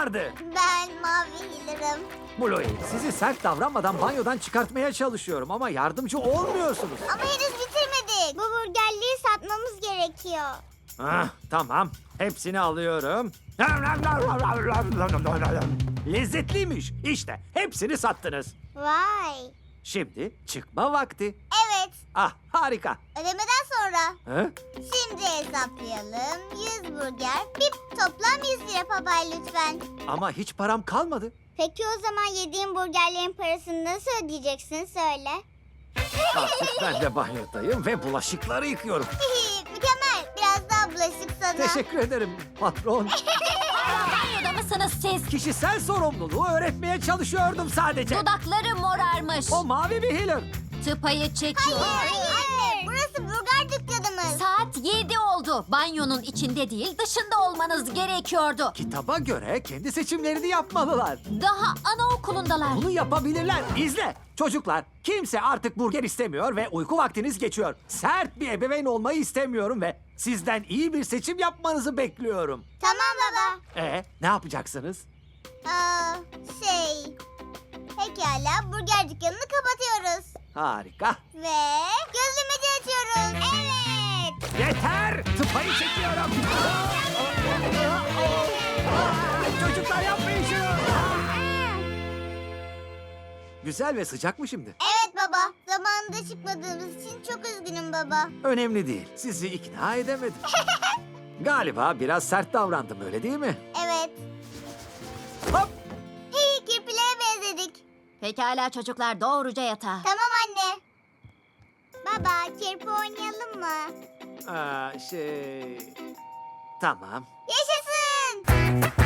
vardı? Ben Mavi Hiller'ım. Bluey, sizi sert davranmadan banyodan çıkartmaya çalışıyorum ama yardımcı olmuyorsunuz. Ama henüz bitirmedik. Bu burgerliği satmamız gerekiyor. Ah, tamam. Hepsini alıyorum. Lezzetliymiş. İşte hepsini sattınız. Vay. Şimdi çıkma vakti. Evet. Ah, harika. Ödemeden sonra. Hı? Şimdi hesaplayalım. 100 burger. Bir toplam 100 lira Papay lütfen. Ama hiç param kalmadı. Peki o zaman yediğin burgerlerin parasını nasıl ödeyeceksin söyle. Artık ben de banyodayım ve bulaşıkları yıkıyorum. Mükemmel. Biraz daha bulaşık sana. Teşekkür ederim patron. Banyoda mısınız siz? Kişisel sorumluluğu öğretmeye çalışıyordum sadece. Dudakları morarmış. O mavi bir healer. Tıpayı çekiyor. Anne, burası burger dükkanımız. Saat 7 oldu. Banyonun içinde değil dışında olmanız gerekiyordu. Kitaba göre kendi seçimlerini yapmalılar. Daha anaokulundalar. Bunu yapabilirler. İzle. Çocuklar, kimse artık burger istemiyor ve uyku vaktiniz geçiyor. Sert bir ebeveyn olmayı istemiyorum ve sizden iyi bir seçim yapmanızı bekliyorum. Tamam baba. Ne yapacaksınız? Şey... Pekala, burger dükkanını kapatıyoruz. Harika. Ve gözlemeci açıyoruz. Evet. Yeter! Tıpayı çekiyorum. Çocuklar yapmayın şunu. Güzel ve sıcak mı şimdi? Evet baba. Zamanında çıkmadığımız için çok üzgünüm baba. Önemli değil. Sizi ikna edemedim. Galiba biraz sert davrandım, öyle değil mi? Evet. Hop! Hey, kirpilere benzedik. Pekala çocuklar doğruca yatağa. Tamam anne. Baba, kirpi oynayalım mı? Tamam. Yaşasın.